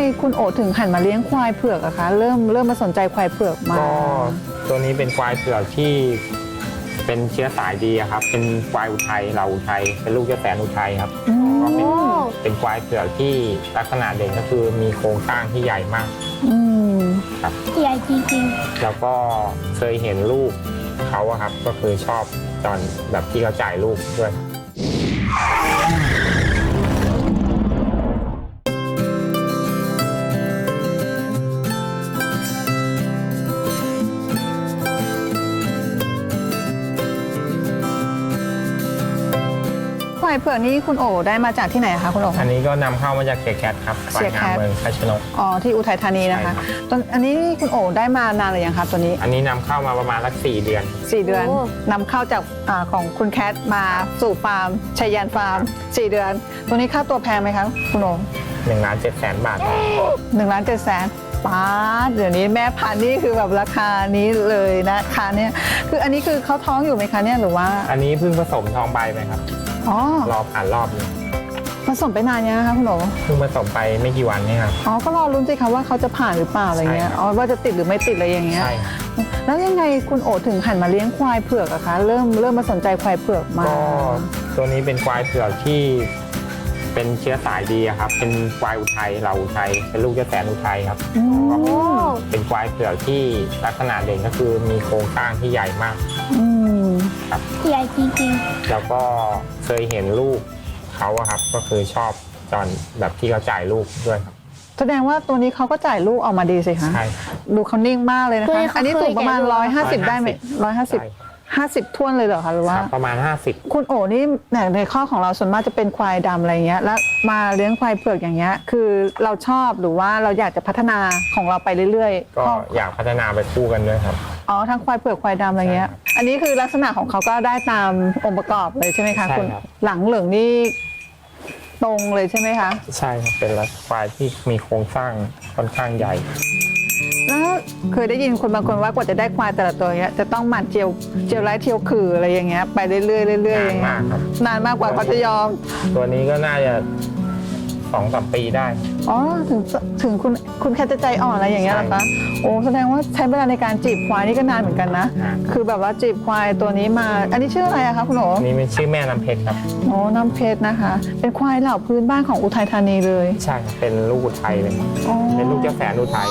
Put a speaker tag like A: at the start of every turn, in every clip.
A: คุณโอถึงหันมาเลี้ยงควายเผือกอะคะเริ่มมาสนใจควายเผือกมา
B: ก็ตัวนี้เป็นควายเผือกที่เป็นเชื้อสายดีครับเป็นควายอุทัยเราอุทัยเป็นลูกเจ้าแสนอุทัยครับก็เป็นควายเผือกที่ลักษณะเด่นก็คือมีโครงสร้างที่ใหญ่มากครับ
C: ใหญ่จริง
B: ๆแล้วก็เคยเห็นลูกเขาครับก็คือชอบตอนแบบที่เขาจ่ายลูกด้วย
A: ควายเผือกนี่คุณโอได้มาจากที่ไหนคะคุณโอ
B: อันนี้ก็นำเข้ามาจากเสียแคทครับ
A: เสียแคท
B: เมืองคาชนก
A: อ๋อที่อุทัยธานีนะคะอันนี้คุณโอได้มานานหรือยังคะตัวนี้
B: อันนี้นำเข้ามาประมาณสัก4 เดือน
A: 4 เดือนนำเข้าจากของคุณแคทมาสู่ฟาร์มชัยยันฟาร์ม4 เดือนตัวนี้ค่าตัวแพงไหมคะคุณโอ
B: 1,700,000 บาท
A: 1,700,000ป้าเดี๋ยวนี้แม่พันธุ์นี่คือแบบราคานี้เลยนะคะเนี่ยคืออันนี้คือเขาท้องอยู่ไหมคะเนี่ยหรือว่า
B: อันนี้เพิ่งผสมทองใบไหมครับรอผ่านรอบนึง
A: ผสมไปนานยังคะคุณโอ
B: เพิ่งผสมไปไม่กี่วันนี่ครับ
A: ก็รอลุ้นสิคะว่าเขาจะผ่านหรือเปล่าอะไรเงี้ยว่าจะติดหรือไม่ติดอะไรอย่างเงี้ย
B: ใช่
A: แล้วยังไงคุณโอถึงหันมาเลี้ยงควายเผือกอะคะเริ่มมาสนใจควายเผือกมา
B: ก็ตัวนี้เป็นควายเผือกที่เป็นเชื้อสายดีครับเป็นควายอุทัยเราอุทัยเป็นลูกเจ้าแสนอุทัยครับเป็นควายเผือกที่ลักษณะเด่นก็คือมีโครงสร้างที่ใหญ่มาก
C: ครับใหญ่จริง
B: ๆแล้วก็เคยเห็นลูกเขาครับก็คือชอบตอนแบบที่เขาจ่ายลูกด้วยครับ
A: แสดงว่าตัวนี้เขาก็จ่ายลูกออกมาดีสิคะ
B: ใช่
A: ดูเขานิ่งมากเลยนะคะอันนี้สูงประมาณ150ได้ไหม150ท้วนเลยเหรอคะหรือว่า
B: ประมาณ50
A: คุณโอนี่ในข้อของเราส่วนมากจะเป็นควายดำอะไรเงี้ยแล้วมาเลี้ยงควายเผือกอย่างเงี้ยคือเราชอบหรือว่าเราอยากจะพัฒนาของเราไปเรื่อย
B: ๆก็อยากพัฒนาไปคู่กันด้วยครับ
A: ทั้งควายเผือกควายดำอะไรเงี้ยอันนี้คือลักษณะของเขาก็ได้ตามองค์ประกอบเลยใช่ไหมคะคุณหลังเหลืองนี่ตรงเลยใช่ไหมคะ
B: ใช่ครับเป็นควายที่มีโครงสร้างค่อนข้างใหญ่
A: แล้วเคยได้ยินคนบางคนว่ากว่าจะได้ควายแต่ละตัวเงี้ยจะต้องหมั่นเจียวไร้เทียวขื่ออะไรอย่างเงี้ยไปเรื่อยๆเรื่อย
B: ๆนานมากครับ
A: นานมากกว่าเขาจะยอม
B: ตัวนี้ก็น่าจะ2-3 ปีได้
A: ถึงคุณแค่จะใจอ่อนอะไรอย่างเงี้ยหรอคะโอ้แสดงว่าใช้เวลาในการจีบควายนี่ก็นานเหมือนกันนะคือแบบว่าจีบควายตัวนี้มาอันนี้ชื่ออะไรอะคะคุณโอ๋
B: นี่เป็นชื่อแม่น้ำเพชรครับ
A: น้ำเพชรนะคะเป็นควายเหล่าพื้นบ้านของอุทัยธานีเลย
B: ใช่เป็นลูกอุทัยเลยเป็นลูกเจ้าแสนอุทัย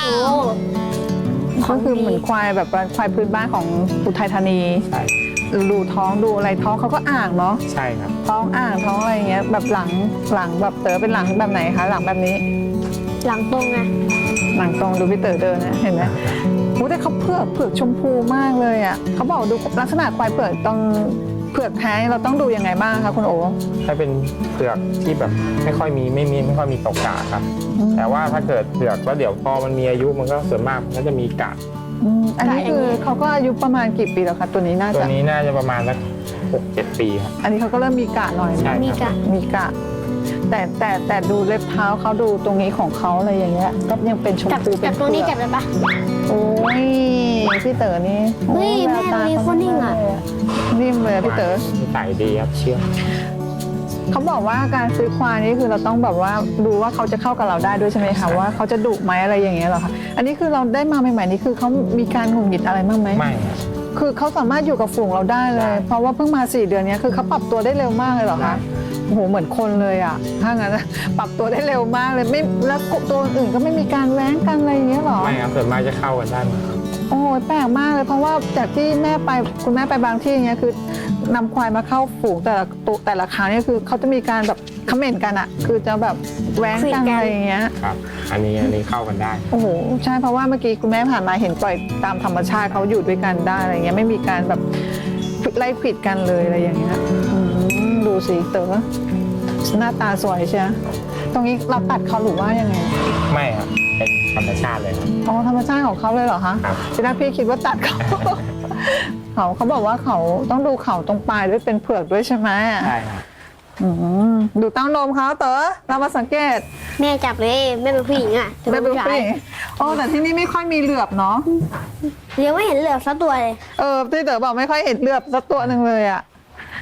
A: ก็คือเหมือนควายแบบควายพื้นบ้านของอุทัยธานี
B: ใช่
A: ดูท้องดูอะไรท้องเขาก็อ่างเนาะ
B: ใช่ครับ
A: ท้องอ่างท้องอะไรเงี้ยแบบหลังแบบเต๋อเป็นหลังแบบไหนคะหลังแบบนี้
C: หลังตรงไง
A: หลังตรงดูพี่เต๋อเดินนะเห็นไหมโอ้แต่เขาเผือกชมพูมากเลยอ่ะเขาบอกดูลักษณะควายเผือกต้องเผือกแท้เราต้องดูยังไงบ้างคะคุณโอ๋
B: ถ้าเป็นเผือกที่แบบไม่ค่อยมีตกกาดครับแต่ว่าถ้าเกิดเผือกแล้วเดี๋ยวพอมันมีอายุมันก็ส่วนมากมันจะมีกาด
A: อันนี้คือเขาก็อายุประมาณกี่ปีแล้วคะตัวนี้น่า
B: จะประมาณสัก6-7 ปีครับ
A: อันนี้เขาก็เริ่มมีกาดหน่อย
C: มี
A: กาดแต่ดูเล็บเท้าเขาดูตรงนี้ของเขาอะไรอย่างเงี้ยก็ยังเป็นชมพู
C: เป็นตรงนี้จับได้ปะ
A: โอ้ยพี่เต๋อนี่
C: เฮ้ยแม่มีคนนิ่งอ่ะ
A: นิ่มเลยพี่เต๋อ
B: ใส่ดีครับเชื่อ
A: เขาบอกว่าการซื้อควายนี่คือเราต้องแบบว่าดูว่าเขาจะเข้ากับเราได้ด้วยใช่ไหมคะว่าเขาจะดุไหมอะไรอย่างเงี้ยหรอคะอันนี้คือเราได้มาใหม่ๆนี่คือเขามีการหงุดหงิดอะไรบ้างไหม
B: ไม่
A: คือเขาสามารถอยู่กับฝูงเราได้เลยเพราะว่าเพิ่งมา4 เดือนนี้คือเขาปรับตัวได้เร็วมากเลยหรอคะโอ้โหเหมือนคนเลยอ่ะถ้างั้นปรับตัวได้เร็วมากเลยไม่แล้วตัวอื่นก็ไม่มีการแว้งกันอะไรอย่างเงี้ยหรอ
B: ไม่ครับส่วนมากจะเข้ากันได้
A: โอ้แปลกมากเลยเพราะว่าจากที่คุณแม่ไปบางที่อย่างเงี้ยคือนำควายมาเข้าฝูงแต่ละครั้งนี่คือเขาจะมีการแบบคอมเมนต์กันอ่ะคือจะแบบแว้งกันอะไรอย่างเงี้ย
B: ครับอันนี้เข้ากันได้
A: โอ้โหใช่เพราะว่าเมื่อกี้คุณแม่ผ่านมาเห็นปล่อยตามธรรมชาติเขาอยู่ด้วยกันได้อะไรเงี้ยไม่มีการแบบไล่ผิดกันเลยอะไรอย่างเงี้ยดูสิเต๋อหน้าตาสวยใช่ไหมตรงนี้เราตัดเขาหรือว่ายังไง
B: ไม่ครับเป็นธรรมชาติเลย
A: ธรรมชาติของเขาเลยเหรอคะทีแรกพี่คิดว่าตัดเขาบอกว่าเขาต้องดูเขาตรงปลายด้วยเป็นเผือกด้วยใช่ไหม
B: ใช่ครับ
A: ดูเต้านมเขาเต๋อเรามาสังเกต
C: แม่จับเลยแม่เป็นผู้หญิงอ่ะ
A: แม่เป็นผู้หญิงแต่ที่นี่ไม่ค่อยมีเหลือบเนาะ
C: ยังไม่เห็นเหลือบสักตัวเลย
A: ที่เต๋อบอกไม่ค่อยเห็นเหลือบสักตัวหนึ่งเลยอ่ะโห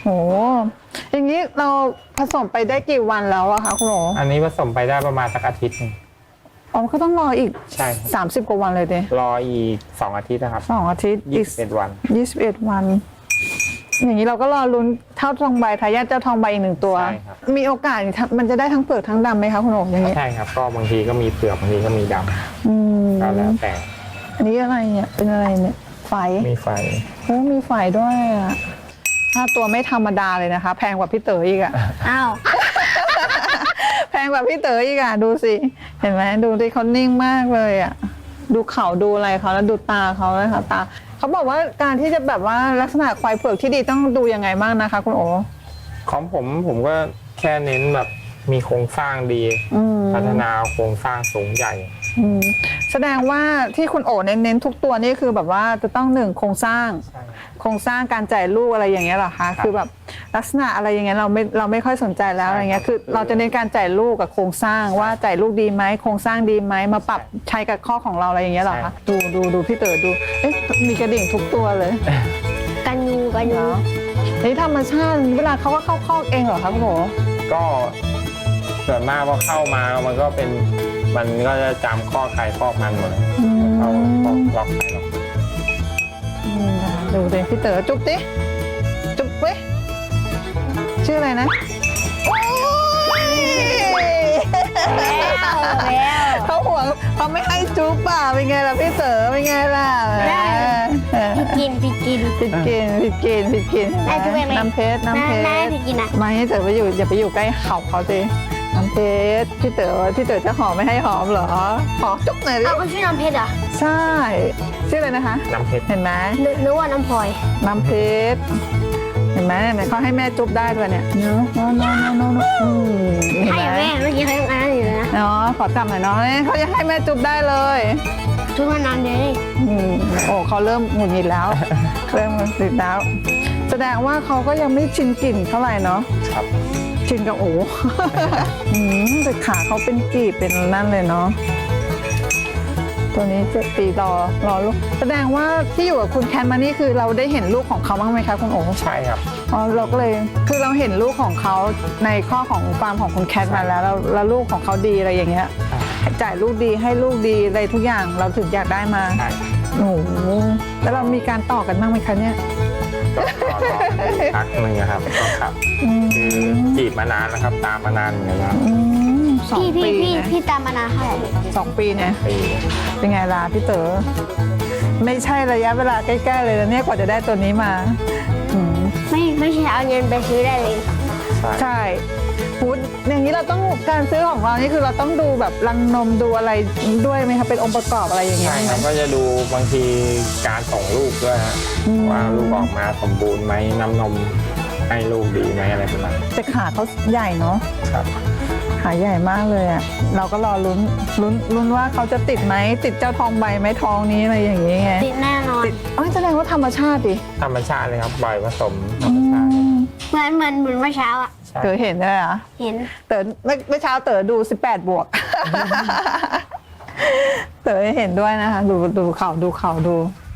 A: โหอย่างนี้เราผสมไปได้กี่วันแล้วอะคะคุณหมอ
B: อันนี้ผสมไปได้ประมาณสักอาทิตย์หนึง
A: อ๋อก็ต้องรออีก
B: ใช่ครับ
A: 30 กว่าวันเลยเด้
B: รออีก2 อาทิตย์นะครับ
A: 2 อาทิตย์อีก
B: 21 วัน
A: 21 วัน อย่างนี้เราก็รอลุ้นเท่าทองใบทายาทเจ้าทองใบอีก1 ตัว
B: ใช่ครับ
A: มีโอกาสมันจะได้ทั้งเปลือกทั้งดำไหมคะคุณโอ๋อย่างนี้
B: ใช่ครับก็บางทีก็มีเปลือกบางทีก็มีด
A: อืม
B: ำก็แล้วแต่
A: อันนี้อะไรเนี่ยเป็นอะไรเนี่ยไฟ
B: มีไฟ
A: โอ้มีไฟด้วยอะถ้าตัวไม่ธรรมดาเลยนะคะ แพงกว่าพี่เต๋ออีกอะ
C: อ้าว
A: แพงกว่าพี่เต๋ออีกอะดูสิเห็นไหมดูดิเขานิ่งมากเลยอะดูเขาดูอะไรเขาแล้วดูตาเขาเลยค่ะตาเขาบอกว่าการที่จะแบบว่าลักษณะควายเผือกที่ดีต้องดูยังไงบ้างนะคะคุณโอ
B: ของผมก็แค่เน้นแบบมีโครงสร้างดี
A: อืม
B: พัฒนาโครงสร้างสูงใหญ่
A: อืมแสดงว่าที่คุณโอเน้นทุกตัวนี่คือแบบว่าจะต้องหนึ่งโครงสร้าง
B: ใช่
A: โครงสร้างการจ่ายลูกอะไรอย่างเงี้ยเหรอคะคือแบบลักษณะอะไรอย่างเงี้ยเราไม่ค่อยสนใจแล้วอะไรเงี้ยคือเราจะเน้นการจ่ายลูกกับโครงสร้างว่าจ่ายลูกดีไหมโครงสร้างดีไหมมาปรับใช้กับข้อของเราอะไรอย่างเงี้ยเหรอคะดูพี่เต๋อดูเอ๊ะมีกระดิ่งทุกตัวเลย
C: กันยู
A: นี่ธรรมชาติเวลาเขาก็เข้าคอกเองเหรอคะคุณโอ
B: ก็ส่วนมากพอเข้ามามันก็จะจำข้อใครข้อมันหมดเลยเข้าข้อล็อกใครล็อก
A: ดูสิพี่เต๋อจุ๊บดิจุ๊บเว้ยชื่ออะไรนะโอ้ย
C: แล้ว
A: เขาห่วงเขาไม่ให้จุ๊บป่ะเป็นไงล่ะพี่เต๋อเป็นไงล่ะ
C: พี่กิน
A: ผิดกิน
C: ได้จุ๊บเองไหม
A: น้ำเพชร
C: ได้พี่กินอะ
A: ไม่ให้เต๋อไปอยู่อย่าไปอยู่ใกล้เขาเขาสิน้ำเพชรพี่เต๋อจะหอมไม่ให้หอมเหรอขอจุ๊บหน่อยดิ
C: เอาเขาชื่อน้ำเพชรเหรอ
A: ใช่ชื่ออะไรนะคะ
B: น้ำเพชร
A: เห็นไหม
C: นึกว่าน้ำพลอย
A: น้ำเพชรเห็นไหมเนี่ยเขาให้แม่จุ๊บได้ด้วยเนี่ยเนาะเห็น
C: ให้
A: ไหม
C: แม่เมื่อกี้เขายังอ่านอยู่เลยนะ
A: เนาะขอจับหน่อยเนาะเนี่ยเขาจะให้แม่จุ๊บได้เลย
C: ทุกคนนานเลย
A: โอ้เขาเริ่มหงุดหงิดแล้ว เริ่มหงุดหงิดแล้ว แสดงว่าเขาก็ยังไม่ชินกลิ่นเท่าไหร่เนาะ
B: ครับ
A: ชินกับโอ้ แต่ขาเขาเป็นกีบเป็นนั่นเลยเนาะตัวนี้7 ปีรอลูกแสดงว่าที่อยู่กับคุณแคทมานี่คือเราได้เห็นลูกของเขาบ้างไหมคะคุณโอ๋
B: ใช่ครับ
A: อ๋อเราก็เลยคือเราเห็นลูกของเขาในข้อของฟาร์มของคุณแคทมาแล้วลูกของเขาดีอะไรอย่างเงี้ยจ่ายลูกดีให้ลูกดีอะไรทุกอย่างเราถึงอยากได้มา
B: ใช่
A: โอ้โหแล้วเรามีการต่อกันบ้างไหมคะเนี่ย
B: ก็รอพักหนึ่งนะครับก็ครับ คือจีบมานานนะครับ ตามมานานเหมือนกันแล้ว
A: สอง
C: พี่
A: ปีนะ
C: พี่ตามมานานเท่าไหร่
A: 2 ปีเนี่ย
B: ปี
A: เป็นไงล่ะพี่เต๋อไม่ใช่ระยะเวลาใกล้ๆเลยนะเนี่ยกว่าจะได้ตัวนี้มาอืม
C: ไม่ใช่เอาเงินไปซื้อได้เลย
B: ใช่
A: ใช่พูดอย่างนี้เราต้องการซื้อของเรานี่คือเราต้องดูแบบรังนมดูอะไรด้วยไหมคะเป็นองค์ประกอบอะไรอย่างเงี้ย
B: ใช่
A: ไห
B: ค
A: ม
B: รับก็จะดูบางทีการส่งลูกด้วยฮะ
A: อืม
B: ว่าลูกออกมาสมบูรณ์ไหมน้ำนมให้ลูกดีไหมอะไรประมาณนี้
A: แต่ขาเขาใหญ่เนาะ
B: ครับ
A: ขาใหญ่มากเลยอ่ะเราก็รอลุ้นว่าเขาจะติดไหมติดเจ้าทองใบไหมทองนี้อะไรอย่างเงี้ยไง
C: ติดแน่นอน
A: ติดอ๋อแสดงว่าธรรมชาติดิ
B: ธรรมชาติเลยครับบ่อยผสมธรรมชาติ
C: เหมือนเมื่อเช้าอ่ะ
B: ใช่
A: เต๋อเห็นได้เหรอ
C: เห็น
A: เต๋อเมื่อเช้าเต๋อดู18 บวก เต๋อเห็นด้วยนะคะดูเขาดู